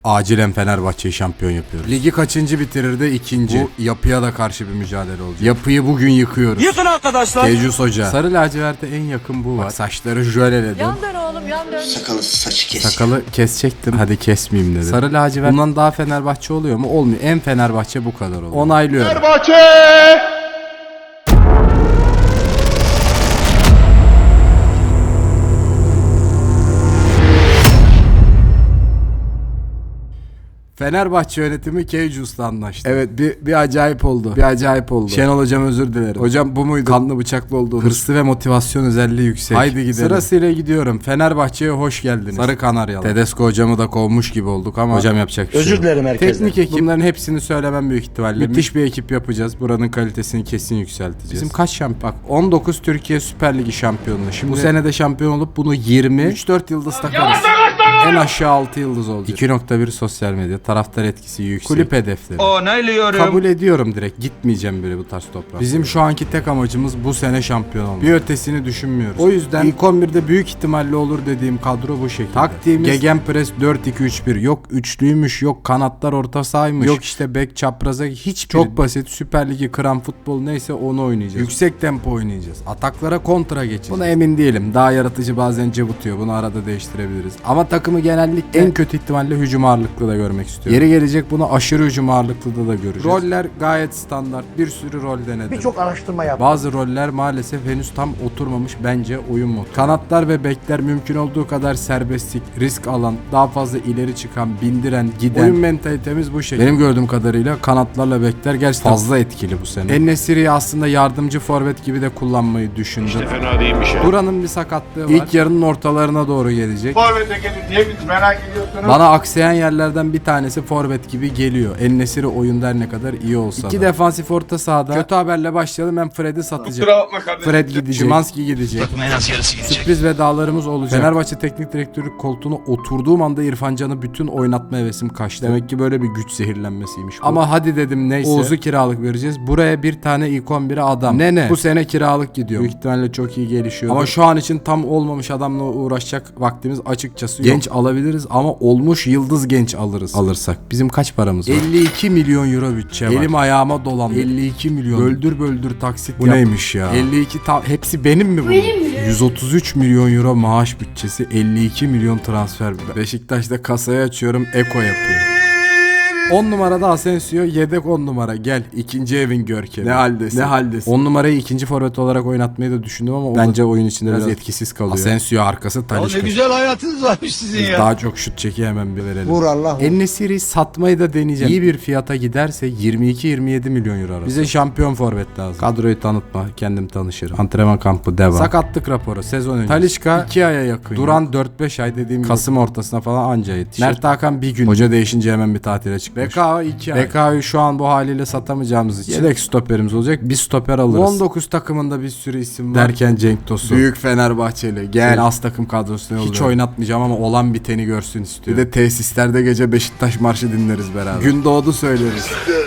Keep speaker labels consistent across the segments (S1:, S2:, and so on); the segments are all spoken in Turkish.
S1: Acilen Fenerbahçe'yi şampiyon yapıyoruz. Ligi kaçıncı bitirirdi? İkinci. Bu yapıya da karşı bir mücadele olacak. Yapıyı bugün yıkıyoruz.
S2: Yıkın arkadaşlar.
S1: Tecrüs Hoca. Sarı laciverte en yakın bu var. Bak, saçları jöleledim.
S3: Yan dön oğlum, yan dön.
S4: Saçı kes.
S1: Sakalı kesecektim. Hadi kesmeyeyim dedi. Sarı lacivert bundan daha Fenerbahçe oluyor mu? Olmuyor. En Fenerbahçe bu kadar oluyor. Onaylıyorum.
S5: Fenerbahçe!
S1: Fenerbahçe yönetimi Keycus'la anlaştı. Evet bir acayip oldu. Bir acayip oldu. Şenol hocam özür dilerim. Hocam bu muydu? Kanlı bıçaklı olduğunuz. Hırslı ve motivasyon özelliği yüksek. Haydi gidelim. Sırasıyla gidiyorum. Fenerbahçe'ye hoş geldiniz. Sarı Kanaryalı. Tedesco hocamı da kovmuş gibi olduk ama hocam yapacak bir şey yok.
S2: Özür dilerim herkesten.
S1: Teknik ekip. Bunların hepsini söylemem büyük ihtimalle. Müthiş bir ekip yapacağız. Buranın kalitesini kesin yükselteceğiz. Bizim kaç şampiyon? Bak 19 Türkiye Süper Ligi şampiyonluğu. Şimdi bu sene de şampiyon olup bunu 20 3-4 yıldız takarız. En aşağı 6 yıldız olacak. 2.1 sosyal medya. Taraftar etkisi yüksek. Kulüp hedefleri.
S2: Onaylıyorum.
S1: Kabul ediyorum direkt. Gitmeyeceğim böyle bu tarz toprağa. Bizim şu anki tek amacımız bu sene şampiyon olmak. Bir ötesini düşünmüyoruz. O yüzden ilk 11'de büyük ihtimalle olur dediğim kadro bu şekilde. Taktiğimiz Gegenpress 4-2-3-1. Yok üçlüymüş, yok kanatlar orta sahaymış. Yok işte bek çapraza hiç çok basit. Süper Ligi kıran futbol neyse onu oynayacağız. Yüksek tempo oynayacağız. Ataklara kontra geçeceğiz. Buna emin değilim. Daha yaratıcı bazen cıvıtıyor. Bunu arada değiştirebiliriz. Ama takımı genellikle en kötü ihtimalle hücum ağırlıklı da görmek istiyorum. Yeri gelecek bunu aşırı hücum ağırlıklı da göreceğiz. Roller gayet standart. Bir sürü rol denedim.
S4: Birçok araştırma yaptım.
S1: Bazı roller maalesef henüz tam oturmamış bence oyun motoru. Kanatlar ve bekler mümkün olduğu kadar serbestlik, risk alan, daha fazla ileri çıkan, bindiren, giden. Oyun mentalitemiz bu şekilde. Benim gördüğüm kadarıyla kanatlarla bekler gerçekten fazla etkili bu sene. En-Nesyri'yi aslında yardımcı forvet gibi de kullanmayı düşündüm.
S5: İşte fena değilmiş ya.
S1: Duran'ın bir sakatlığı var. İlk yarının ortalarına doğru gelecek.
S5: Forvet'e gelin diye biz merak ediyorsunuz.
S1: Bana aksayan yerlerden bir tanesi forvet gibi geliyor. En-Nesyri oyunda her ne kadar iyi olsa da. İki defansif orta sahada. Kötü haberle başlayalım. Ben Fred'i satacağım.
S5: Kusura bakma kardeşim.
S1: Fred gidecek. Szymanski gidecek.
S2: En az yarısı gidecek.
S1: Sürpriz vedalarımız olacak. Fenerbahçe teknik direktörlük koltuğuna oturduğum anda İrfan Can'ı bütün oynatma hevesim kaçtı. Demek ki böyle bir güç zehirlenmesiymiş bu. Ama hadi dedim neyse. Oğuz'u kiralık vereceğiz. Buraya bir tane ilk 11'e adam. Ne? Bu sene kiralık gidiyor. Büyük ihtimalle çok iyi gelişiyor. Ama şu an için tam olmamış adamla uğraşacak vaktimiz açıkçası yok. Genç alabiliriz ama olmuş yıldız genç alırsak. Bizim kaç paramız var? 52 milyon euro bütçe var. Elim ayağıma dolandı. 52 milyon. Böldür taksit bu yap. Neymiş ya? 52 hepsi benim mi bu? Benim mi? 133 milyon euro maaş bütçesi, 52 milyon transfer. Beşiktaş'ta kasayı açıyorum, Eko yapıyor. 10 numarada Asensio, yedek 10 numara. Gel ikinci evin görkemi. Ne haldesin? 10 numarayı ikinci forvet olarak oynatmayı da düşündüm ama bence oyun içinde biraz etkisiz kalıyor. Asensio arkası Talisca.
S2: Ne güzel hayatınız varmış sizin ya.
S1: Daha çok şut çeki hemen bir verelim.
S4: Vur Allah.
S1: En-Nesyri'yi satmayı da deneyeceğim. İyi bir fiyata giderse 22-27 milyon euro arası. Bize şampiyon forvet lazım. Kadroyu tanıtma, kendim tanışırım. Antrenman kampı devam. Sakatlık raporu sezon önce. Talisca 2 aya yakın. Duran 4-5 ay dediğim Kasım ortasına falan anca yetişir. Mert Hakan bir gün. Hoca değişince hemen bir tatile çıkmış. BKA 2 ay. BKA'yı şu an bu haliyle satamayacağımız için yedek stoperimiz olacak. Bir stoper alırız. 19 takımında bir sürü isim var. Derken Cenk Tosun. Büyük Fenerbahçeli. Gel az takım kadrosuna yolluyorum. Hiç oynatmayacağım ama olan biteni görsün istiyorum. Bir de tesislerde gece Beşiktaş marşı dinleriz beraber. Gün doğdu söyleriz.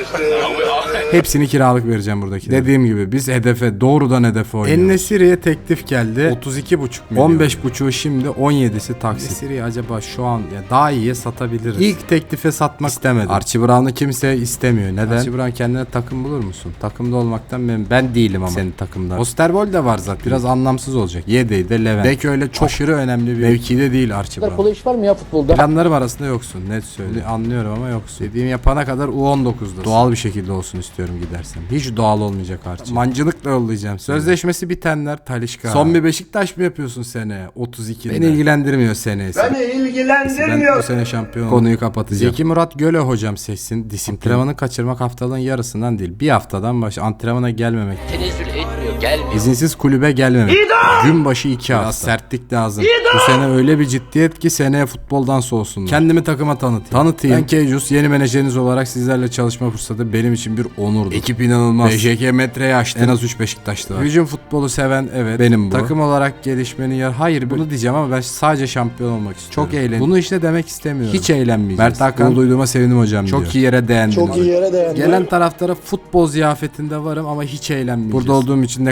S1: Hepsini kiralık vereceğim buradaki. Dediğim gibi biz doğrudan hedefe oynuyoruz. En-Nesyri'ye teklif geldi. 32,5 milyon. 15,5'u şimdi, 17'si taksit. En-Nesyri'yi acaba şu an daha iyiye satabiliriz. İlk teklife satmak istemedim. Archie Brown'u kimse istemiyor. Neden? Archie Brown kendine takım bulur musun? Takımda olmaktan ben değilim ama senin takımda. Osterwold de var zaten. Biraz anlamsız olacak. Yedeği Levent. Bek öyle çok aşırı önemli bir mevkide değil Archie Brown.
S4: Kolay iş var mı ya futbolda?
S1: Planlarım arasında yoksun. Net söyle. Anlıyorum ama yoksun. Dediğim yapana kadar U19'da. Doğal bir şekilde olsun istiyorum gidersen. Hiç doğal olmayacak Archie. Mancınıkla yollayacağım seni. Sözleşmesi bitenler Talisca. Son bir Beşiktaş mı yapıyorsun seneye? 32'de. Beni ilgilendirmiyor senesi.
S5: Beni ilgilendirmiyor.
S1: Bu sene şampiyon konuyu kapatacağım. Zeki Murat Göle hocam seçsin. Antrenmanı kaçırmak haftalığın yarısından değil. Bir haftadan antrenmana gelmemek.
S3: Tenezzül etmiyor, gelmiyor.
S1: İzinsiz kulübe gelmemek. Gün başı 2 hafta. Biraz sertlik lazım. Bu sene öyle bir ciddiyet ki seneye futboldan soğusunlar. Kendimi takıma tanıtayım. Ben Keycus, yeni menajeriniz olarak sizlerle çalışma fırsatı benim için bir onurdu. Ekip inanılmaz. BJK metreye açtı. En az 3 Beşiktaşlı var. Hücum futbolu seven evet benim bu. Takım olarak gelişmenin hayır bunu diyeceğim ama ben sadece şampiyon olmak istiyorum. Çok eğlendim. Bunu işte demek istemiyorum. Hiç eğlenmeyeceğiz. Mert Hakan bunu duyduğuma sevindim hocam diyor. Çok iyi yere değindin.
S4: Çok iyi yere değindin.
S1: Gelen taraftara futbol ziyafetinde varım ama hiç eğlenmeyeceğiz. Burada olduğum için ne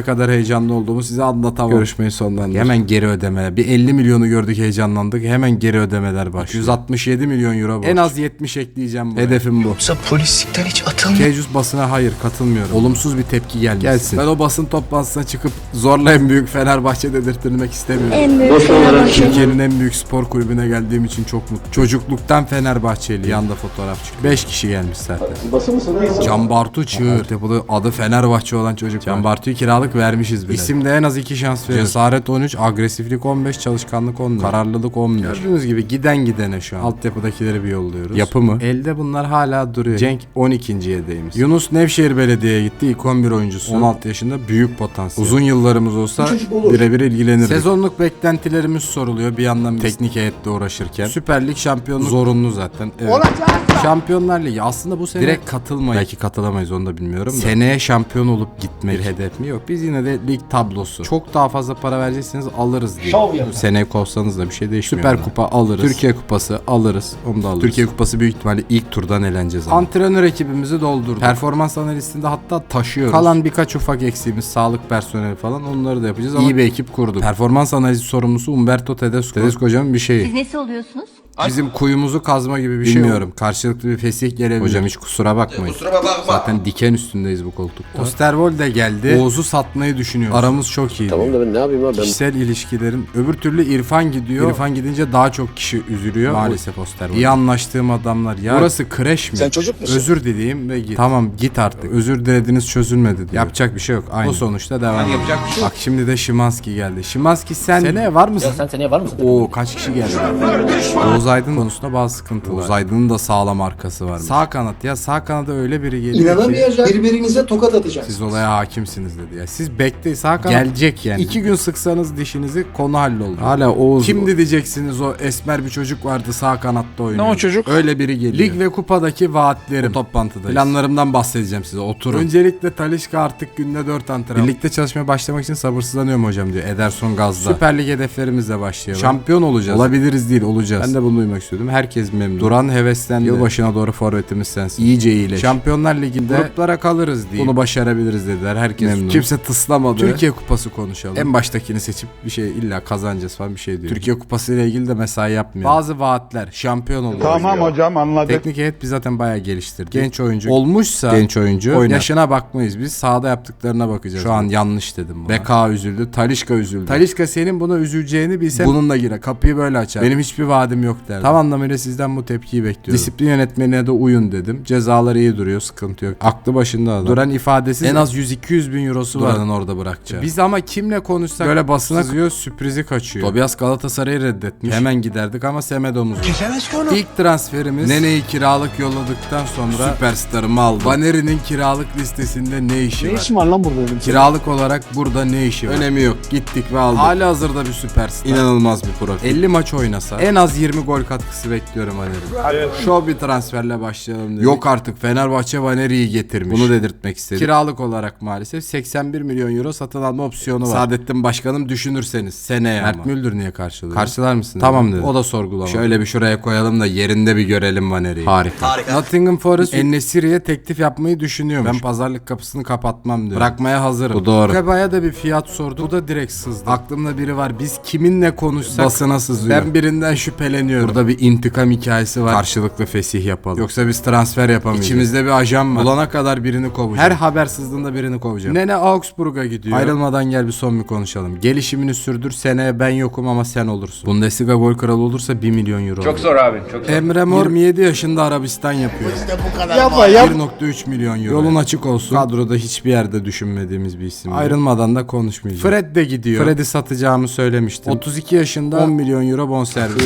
S1: ne kadar heyecanlı olduğumu size anlatamam. Görüşmeyi sonlandırdık. Hemen geri ödeme. Bir 50 milyonu gördük, heyecanlandık. Hemen geri ödemeler başlıyor. 167 milyon euro borç. En az 70 ekleyeceğim buraya. Hedefim bu.
S2: Yoksa polislikten hiç atılmıyor.
S1: Kejus basına hayır katılmıyorum. Olumsuz bir tepki gelsin. Ben o basın toplantısına çıkıp zorla en büyük Fenerbahçe dedirtmek istemiyorum.
S6: En büyük Fenerbahçe.
S1: Türkiye'nin en büyük spor kulübüne geldiğim için çok mutluyum. Çocukluktan Fenerbahçeli. Yanda fotoğraf çıkıyor. 5 kişi gelmiş zaten.
S4: Basın mısın?
S1: Can Bartu Çığır. Tepede adı Fenerbahçe olan çocuk. Can Bartu'yu kiralık vermişiz bile. İsimde en az 2 şans veriyoruz. Cesaret 13, agresiflik 15, çalışkanlık 14, kararlılık 11. Gördüğünüz gibi giden gidene şu an. Altyapıdakileri bir yolluyoruz. Yapı mı? Elde bunlar hala duruyor. Cenk 12. yedeyimiz. Yunus Nevşehir Belediye'ye gitti. İlk 11 oyuncusu. 16 yaşında, büyük potansiyel. Uzun yıllarımız olsa birebir ilgilenirdik. Sezonluk beklentilerimiz soruluyor. Bir yandan teknik heyetle uğraşırken. Süper Lig şampiyonluk zorunlu zaten. Evet. Şampiyonlar Ligi aslında bu sene direkt katılmayız. Belki katılamayız, onu da bilmiyorum da. Seneye şampiyon olup gitmek bir hedef mi? Yok. Biz yine de lig tablosu. Çok daha fazla para verecekseniz alırız diye. Seneye kovsanız da bir şey değişmiyor. Süper Kupa alırız. Türkiye Kupası alırız. Onu da alırız. Türkiye Kupası büyük ihtimalle ilk turdan eleneceğiz. Antrenör ekibimizi doldurduk. Performans analistinde hatta taşıyoruz. Kalan birkaç ufak eksiğimiz, sağlık personeli falan, onları da yapacağız ama iyi bir ekip kurduk. Performans analizi sorumlusu Umberto Tedesco. Tedesco hocamın bir şeyi.
S6: Siz nesi oluyorsunuz?
S1: Bizim kuyumuzu kazma gibi bir şey. Bilmiyorum. Karşılıklı bir fesih gelebilir. Hocam hiç kusura bakmayın. Zaten diken üstündeyiz bu koltukta. Osterwold de geldi. Oğuz'u satmayı düşünüyor. Aramız çok iyi.
S7: Tamam da ben ne yapayım abi?
S1: Kişisel ilişkilerin. Öbür türlü İrfan gidiyor. İrfan gidince daha çok kişi üzülüyor. Maalesef Osterwold. İyi anlaştığım adamlar. Ya burası kreş mi?
S2: Sen çocuk musun?
S1: Özür dileyim ve git. Tamam git artık. Özür dilediniz, çözülmedi diyor. Yapacak bir şey yok. Aynı. O sonuçta devam.
S2: Yapacak bir şey yok.
S1: Bak şimdi de Szymanski geldi. Szymanski sen seneye var mısın?
S7: Ya sen seneye var mısın?
S1: Oo kaç kişi geldi? Oğuz Aydın konusunda bazı sıkıntılar. Oğuz Aydın'ın da sağlam arkası var. Sağ kanat ya, sağ kanada öyle biri geliyor ki.
S4: İnanamayacak. Birbirinize tokat atacak.
S1: Siz olaya hakimsiniz dedi ya. Siz bekleyin, sağ kanat gelecek yani. 2 gün sıksanız dişinizi konu halloldu. Hala Oğuz. Kimdi diyeceksiniz, o esmer bir çocuk vardı sağ kanatta oynuyor.
S2: Ne o çocuk?
S1: Öyle biri geliyor. Lig ve kupadaki vaatlerim. O toplantıdayız. Planlarımdan bahsedeceğim size. Oturun. Öncelikle Talisca artık günde 4 antrenman. Birlikte çalışmaya başlamak için sabırsızlanıyorum hocam diyor. Ederson gazda. Süper Lig hedeflerimizle başlayalım. Şampiyon olacağız. Olabiliriz değil, olacağız. Ben de bunu duymak istiyordum. Herkes memnun. Duran heveslendi. Yılbaşına doğru forvetimiz sensin. İyice iyileş. Şampiyonlar Ligi'nde gruplara kalırız diye. Bunu başarabiliriz dediler. Herkes memnun. Kimse tıslamadı. Türkiye Kupası konuşalım. En baştakini seçip bir şey illa kazanacağız falan bir şey diyor. Türkiye Kupası ile ilgili de mesai yapmıyor. Bazı vaatler. Şampiyon oluyor.
S5: Tamam hocam anladık.
S1: Teknik heyet biz zaten bayağı geliştirdik. Genç oyuncu olmuşsa genç oyuncu oynar. Yaşına bakmayız. Biz sahada yaptıklarına bakacağız. Şu an yanlış dedim buna. Beka üzüldü. Talisca üzüldü. Talisca senin buna üzüleceğini bilse bununla girer. Kapıyı böyle açar. Benim hiçbir vaadim yok derdi. Tam anlamıyla sizden bu tepkiyi bekliyorum. Disiplin yönetmenine de uyun dedim. Cezalar iyi duruyor. Sıkıntı yok. Aklı başında adam. Duran ifadesi en az 100-200 bin eurosu var. Duran'ın orada bırakacağı. Biz ama kimle konuşsak böyle basına sızıyor, sürprizi kaçıyor. Tobias Galatasaray'ı reddetmiş. Hemen giderdik ama Semedo'muz var.
S2: Kesemez ki onu.
S1: İlk transferimiz Nene'yi kiralık yolladıktan sonra süperstarımı aldı. Vaneri'nin kiralık listesinde ne işi var?
S4: Ne işin var lan burada benim?
S1: Kiralık olarak burada ne işi var? Önemi yok. Gittik ve aldık. Hali hazırda bir süperstar. İnanılmaz bir profil. 50 maç oynasa en az 20 gol katkısı bekliyorum Vaneri. Şov bir transferle başlayalım dedik. Yok artık, Fenerbahçe Vaneri'yi getirmiş. Bunu dedirtmek istedim. Kiralık olarak maalesef 81 milyon euro satın alma opsiyonu var. Saadettin Başkanım düşünürseniz seneye ama. Mert Müldür niye karşılıyor? Karşılar mısın? Tamam dedi. O da sorgulama. Şöyle bir şuraya koyalım da yerinde bir görelim Vaneri'yi. Harika. Nottingham Forest En-Nesyri'ye teklif yapmayı düşünüyormuş. Ben pazarlık kapısını kapatmam diyor. Bırakmaya hazırım. Bu doğru. Keba'ya da bir fiyat sordu. Bu da direkt sızdı. Aklımda biri var. Biz kiminle konuşsak basına sızıyor. Ben birinden şüpheleniyorum. Burada bir intikam hikayesi var. Karşılıklı fesih yapalım. Yoksa biz transfer yapamayacağız. İçimizde bir ajan var. Bulana kadar birini kovacağım. Her haber sızdığında birini kovacağım. Nene Augsburg'a gidiyor. Ayrılmadan gel bir son bir konuşalım. Gelişimini sürdür. Seneye ben yokum ama sen olursun. Bundesliga gol kralı olursa 1 milyon euro.
S5: Çok zor abi. Çok zor.
S1: Emre Mor 27 yaşında Arabistan yapıyor.
S4: Yapma yap.
S1: 1.3 milyon euro. Yolun açık olsun. Kadroda hiçbir yerde düşünmediğimiz bir isim. Ayrılmadan da konuşmayacağım. Fred de gidiyor. Fred'i satacağımı söylemiştim. 32 yaşında 10 milyon euro bonservis.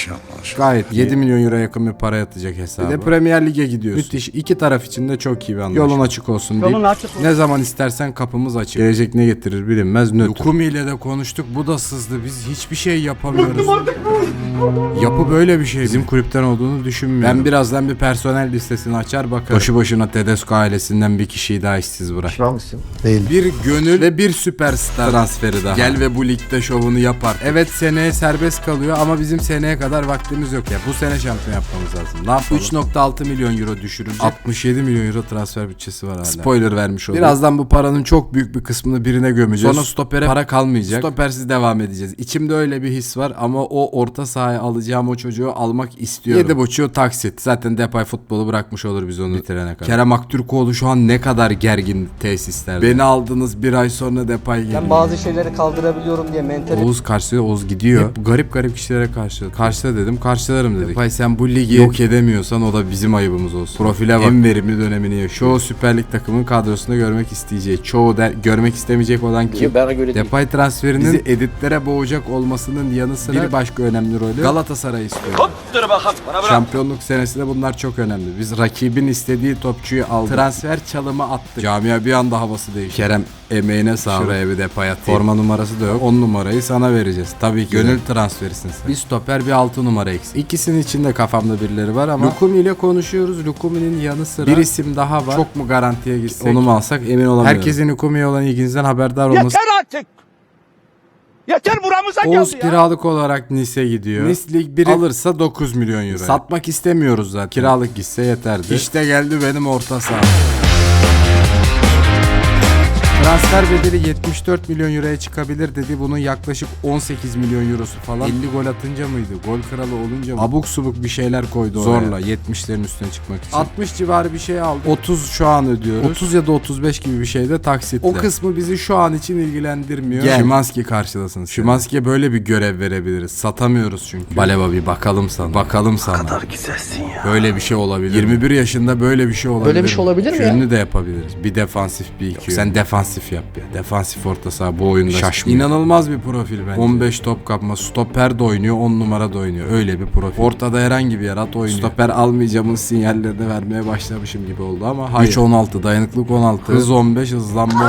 S1: Gayet 7 milyon euro yakın bir para yatacak hesaba. Bir de Premier Lig'e gidiyorsun. Müthiş. İki taraf için de çok iyi bir anlaşma. Yolun açık olsun deyip ne zaman istersen kapımız açık. Gelecek ne getirir bilinmez. Nötr. Lukumi ile de konuştuk. Bu da sızdı. Biz hiçbir şey yapamıyoruz. Yapı böyle bir şey. Bizim kulüpten olduğunu düşünmüyorum. Ben birazdan bir personel listesini açar bakarım. Boşu boşuna Tedesco ailesinden bir kişiyi daha işsiz bırak.
S4: Pişman mısın? Değil.
S1: Bir gönül ve bir süperstar transferi daha. Gel ve bu ligde şovunu yapar. Evet, seneye serbest kalıyor ama bizim seneye kadar vaktimiz yok ya. Bu sene şampiyon yapmamız lazım. Ne yapalım? 3.6 milyon euro düşürülecek. 67 milyon euro transfer bütçesi var hala. Spoiler vermiş olduk. Birazdan bu paranın çok büyük bir kısmını birine gömeceğiz. Sonra stopere para kalmayacak. Stopersiz devam edeceğiz. İçimde öyle bir his var ama o orta sahaya alacağım o çocuğu almak istiyorum. 7.5'u taksit. Zaten Depay futbolu bırakmış olur biz onu bitirene kadar. Kerem Aktürkoğlu şu an ne kadar gergin tesislerde. Beni aldınız, bir ay sonra Depay geliyor.
S6: Ben bazı şeyleri kaldırabiliyorum diye mental.
S1: Oğuz karşılıyor, Oğuz gidiyor. Hep garip kişilere karşılıyor. Karşıla dedim, karşılarım dedik. Depay sen bu ligi yok edemiyorsan o da bizim ayıbımız olsun. Profile bak. En verimli dönemini yaşıyor. Çoğu Süper Lig takımın kadrosunda görmek isteyeceği. Çoğu görmek istemeyecek olan kim?
S3: Bana göre değil.
S1: Depay transferinin bizi editlere boğacak olmasının yanı sıra bir başka önemli rolü Galatasaray istiyor. Şampiyonluk senesinde bunlar çok önemli. Biz rakibin istediği topçuyu aldık. Transfer çalımı attık. Camia bir anda havası değişti. Kerem emeğine sağlık. Şuraya bir Depay atayım. Forma numarası da yok. 10 numarayı sana vereceğiz. Tabii ki. Gönül transferisin sen. Bir stoper, bir 6 numara eksik. İkisinin içinde kafamda birileri var ama Lukumi ile konuşuyoruz. Lukumi'nin yanı sıra bir isim daha var. Çok mu garantiye gitsek? Onu mu alsak emin olamıyorum. Herkesin Lukumi'ye olan ilginizden haberdar olması.
S5: Yeter artık. Yeter buramıza geldi ya.
S1: Oğuz kiralık olarak Nice'e gidiyor. Nice Lig 1'i alırsa 9 milyon euro. Satmak istemiyoruz zaten. Kiralık gitse yeterdi. İşte geldi benim orta saha. Transfer bedeli 74 milyon euroya çıkabilir dedi. Bunun yaklaşık 18 milyon eurosu falan. 50 gol atınca mıydı? Gol kralı olunca mı? Abuk subuk bir şeyler koydu zorla oraya. 70'lerin üstüne çıkmak için. 60 civarı bir şey aldı. 30 şu an ödüyoruz. 30 ya da 35 gibi bir şey de taksitle. O kısmı bizi şu an için ilgilendirmiyor. Szymański karşılasın. Szymański'ye böyle bir görev verebiliriz. Satamıyoruz çünkü. Baleba bir bakalım sana. Bakalım sana. Ne kadar güzelsin ya. Böyle bir şey olabilir. 21 yaşında böyle bir şey olabilir.
S6: Böyle bir şey olabilir mi ya?
S1: Yönünü de yapabiliriz. Bir defansif, bir iki. Sen defansif yap ya. Defansif orta saha bu oyunda şaşmıyor. İnanılmaz bir profil bence. 15 top kapma. Stoper de oynuyor, 10 numara da oynuyor. Öyle bir profil. Ortada herhangi bir yer at oynuyor. Stoper almayacağımın sinyallerini vermeye başlamışım gibi oldu ama hayır. 3-16, dayanıklık 16, hız 15, hızlanma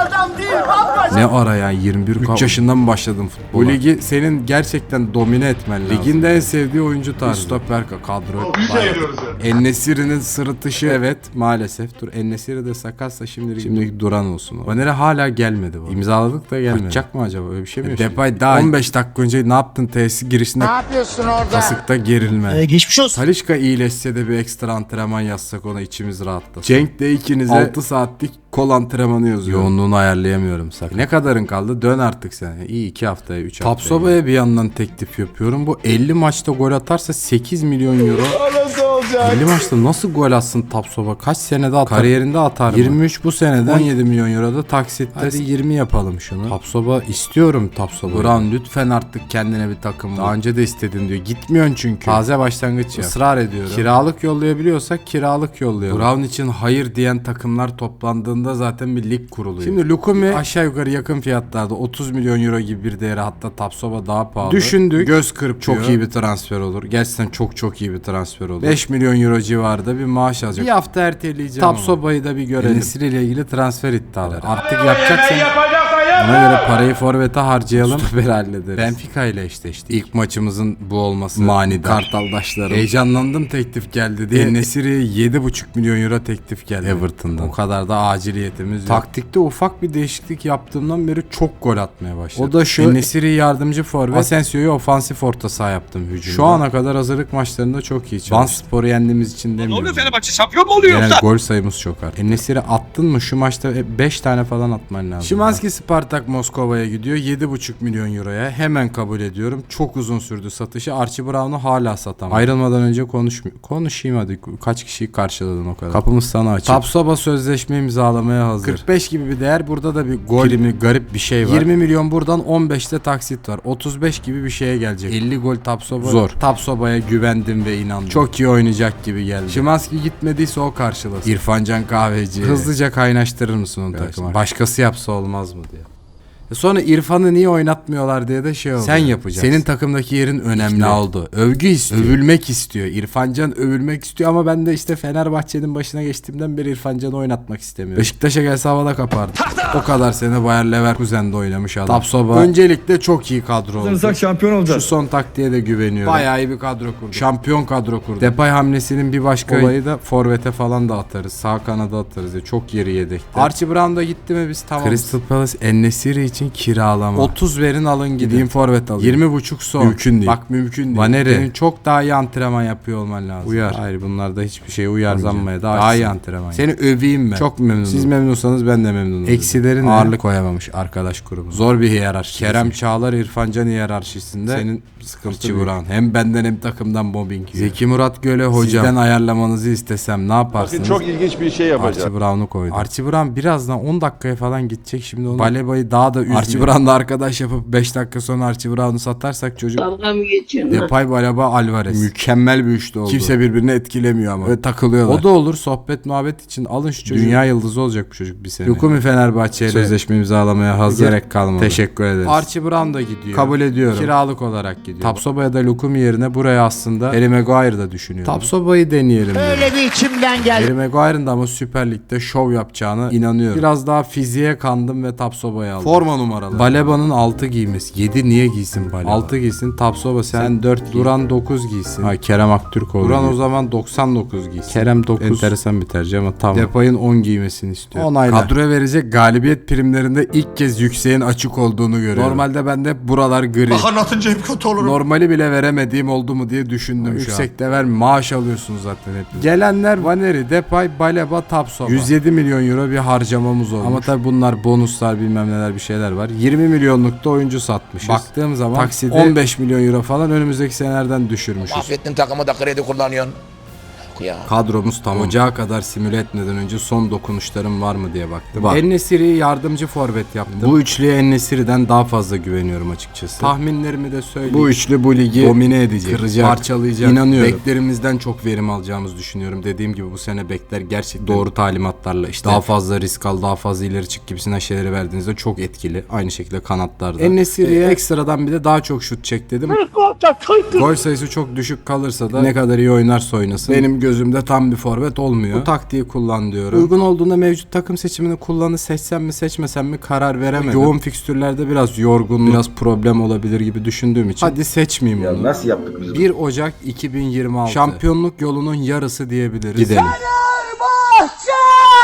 S1: 14. Ne ara ya 21 3 yaşından mı başladın futbola? Bu ligi senin gerçekten domine etmen lazım. Liginde en sevdiği oyuncu tarzı. Stoper kadro. En-Nesyri'nin sırıtışı evet maalesef. Dur En-Nesyri de sakatsa şimdilik duran olsun. Vanere hala gelmedi bu. İmzaladık da gelmedi. Kaçacak mı acaba? Öyle bir şey mi yaşıyor? Depay daha 15 dakika önce ne yaptın tesis girişinde?
S2: Ne yapıyorsun orada?
S1: Kasıkta gerilme.
S2: Geçmiş olsun.
S1: Talisca iyileşse de bir ekstra antrenman yazsak ona içimiz rahatlasın. Cenk de ikinize 6 saatlik kol antrenmanı yazıyor. Yoğunluğunu ayarlayamıyorum sakın. Ne kadarın kaldı? Dön artık sen. İyi 2 haftaya 3 haftaya. Tapsoba'ya bir yandan teklif yapıyorum. Bu 50 maçta gol atarsa 8 milyon euro. 50 maçta nasıl gol atsın Tapsoba? Kaç senede atar? Kariyerinde atar mı? 23 bu senede 17 milyon euro da taksitte. Hadi 20 yapalım şunu. Tapsoba istiyorum Tapsoba. Brown lütfen artık kendine bir takım. Daha önce de istedin diyor. Gitmiyorsun çünkü. Taze başlangıç ya. Israr ediyorum. Kiralık yollayabiliyorsak kiralık yollayalım. Brown için hayır diyen takımlar toplandığında zaten bir lig kuruluyor. Şimdi Lukumi aşağı yukarı yakın fiyatlarda 30 milyon euro gibi bir değeri, hatta Tapsoba daha pahalı. Düşündük. Göz kırpıyor. Çok iyi bir transfer olur. Gerçekten çok iyi bir transfer olur. 5 milyon euro civarında bir maaş alacak. Bir hafta erteleyeceğim. Tapsoba'yı da bir görelim. En-Nesyri ile ilgili transfer iddiaları. Artık yapacaksan ona göre parayı forvete harcayalım. Stoperi hallederiz. Benfica ile eşleştik. İlk maçımızın bu olması manidar. Kartaldaşlarım. Heyecanlandım teklif geldi diye. En-Nesyri'ye 7,5 milyon euro teklif geldi Everton'dan. O kadar da aciliyetimiz yok. Taktikte ufak bir değişiklik yaptığımdan beri çok gol atmaya başladı. O da şu: En-Nesyri'yi yardımcı forvet, Asensio'yu ofansif orta saha yaptım hücumda. Şu ana kadar hazırlık maçlarında çok iyi çalıştı. Vanspor'u yendiğimiz için demiyorum. Ne oluyor,
S5: Fenerbahçe şampiyon mu oluyor
S1: yani
S5: yoksa?
S1: gol sayımız çok arttı. En-Nesyri attın mı şu maçta 5 tane falan atman lazım. Szymański Spartak Moskova'ya gidiyor 7,5 milyon euroya. Hemen kabul ediyorum. Çok uzun sürdü satışı. Archie Brown'u hala satamam. Ayrılmadan önce konuşayım hadi. Kaç kişiyi karşıladın o kadar. Kapımız sana açık. Tapsoba sözleşme imzalamaya hazır. 45 gibi bir değer. Burada da bir gol primi, garip bir şey var. 20 milyon buradan, 15'te taksit var. 35 gibi bir şeye gelecek. 50 gol Tapsoba. Zor. Tapsoba'ya güvendim ve inandım. Çok iyi oynayacak gibi geldi. Szymański gitmediyse o karşılasın. İrfancan Kahveci. Hızlıca kaynaştırır mısın onu takıma? Başkası yapsa olmaz mı diye. Sonra İrfan'ı niye oynatmıyorlar diye de şey oldu. Sen yapacaksın. Senin takımdaki yerin önemli oldu. Övgü istiyor. Övülmek istiyor. İrfan Can övülmek istiyor ama ben de işte Fenerbahçe'nin başına geçtiğimden beri İrfan Can'ı oynatmak istemiyorum. Beşiktaş'a gelse havada kapardı. O kadar sene Bayer Leverkusen'de oynamış adam. Tapsoba. Öncelikle çok iyi kadro oldu.
S7: Şampiyon olacağız.
S1: Şu son taktiğe de güveniyorum. Bayağı iyi bir kadro kurdu. Şampiyon kadro kurdu. Depay hamlesinin bir başka olayı da forvete falan da atarız. Sağ kanada atarız ya. Çok yeri yedekte. Archie Brown da gitti mi biz tamam. Crystal Palace En-Nesyri için kiralama. 30 verin alın gideyim forvet alın. 20,5 son. Mümkün değil. Bak mümkün değil. Vaneri. Senin çok daha iyi antrenman yapıyor olman lazım. Uyar. Hayır bunlarda hiçbir şeye uyarlanmaya daha iyi antrenman. Seni öveyim ben. Çok memnunum. Siz memnunsanız ben de memnunum. Eksilerin ağırlık koyamamış arkadaş grubu. Zor bir hiyerarşi. Kerem Çağlar İrfan Can hiyerarşisinde senin sıkıntı Buran. Hem benden hem takımdan mobbing yiyor. Zeki Murat Göle hocam. Sizden ayarlamanızı istesem ne yaparsınız?
S5: Çok ilginç bir şey yapacağım.
S1: Archie Brown'u koydu. Archie Brown birazdan 10 dakikaya falan gidecek şimdi onu. Baleba'yı daha da üzmüyor. Archie Brown'la arkadaş yapıp 5 dakika sonra Archie Brown'u satarsak çocuk.
S3: Dalga mı geçiyorsun?
S1: Depay, Baleba, Alvarez. Mükemmel bir üçlü oldu. Kimse birbirini etkilemiyor ama. Ve takılıyorlar. O da olur sohbet muhabbet için alın şu çocuğu. Dünya yıldızı olacak bu çocuk bir sene. Lukumi Fenerbahçe ile sözleşme imzalamaya hazır. Gerek kalmadı. Teşekkür ederiz. Archie Brown da gidiyor. Kabul ediyorum. Kiralık olarak gidiyor. Tapsoba ya da Lukumi yerine buraya aslında Harry Maguire da düşünüyorum. Tapsoba'yı deneyelim.
S2: Öyle bir içimden geldi.
S1: Harry Maguire'ın da ama Süper Lig'de şov yapacağına inanıyorum. Biraz daha fiziğe kandım ve Tapsoba'yı aldım. Forma numaralı. Baleba'nın 6 giymesi. 7 niye giysin Baleba? 6 giysin. Tapsoba sen 4 Duran 9 giysin. Ha Kerem Aktürkoğlu. Duran o zaman 99 giysin. Kerem 9. Enteresan bir tercih ama tamam. Depay'ın 10 giymesini istiyor. Onayla. Kadroya verecek galibiyet primlerinde ilk kez yükseğin açık olduğunu görüyorum. Normalde bende buralar gri.
S2: Bak anlatınca hep kötü olurum.
S1: Normali bile veremediğim oldu mu diye düşündüm şu an. Yüksekte ver maaş alıyorsunuz zaten hep. Gelenler Vaneri, Depay, Baleba, Tapsoba. 107 milyon euro bir harcamamız olmuş. Ama tabi bunlar bonuslar bilmem neler bir şeyler var. 20 milyonluk da oyuncu satmışız. Baktığım zaman takside 15 milyon euro falan önümüzdeki senelerden düşürmüşüz.
S2: Mahvettin takımı da kredi kullanıyorsun. Ya.
S1: Kadromuz tamam. Ocağa kadar simüle etmeden önce son dokunuşlarım var mı diye baktım. En-Nesyri'yi yardımcı forvet yaptım. Bu üçlüye En-Nesyri'den daha fazla güveniyorum açıkçası. Tahminlerimi de söyleyeyim. Bu üçlü bu ligi domine edecek, kıracak, parçalayacak. İnanıyorum. Beklerimizden çok verim alacağımızı düşünüyorum. Dediğim gibi bu sene bekler gerçekten doğru talimatlarla işte daha fazla risk al, daha fazla ileri çık gibisinden şeyleri verdiğinizde çok etkili. Aynı şekilde kanatlarda. En-Nesyri'ye ekstradan bir de daha çok şut çek dedim. Gol sayısı çok düşük kalırsa da ne kadar iyi oynarsa oynasın. Benim gözümde tam bir forvet olmuyor. Bu taktiği kullan diyorum. Uygun olduğunda mevcut takım seçimini kullanı seçsem mi seçmesem mi karar veremedim. Yoğun fikstürlerde biraz yorgun, biraz problem olabilir gibi düşündüğüm için hadi seçmeyeyim bunu.
S7: Nasıl yaptık biz?
S1: 1 Ocak 2026. Şampiyonluk yolunun yarısı diyebiliriz. Gidelim.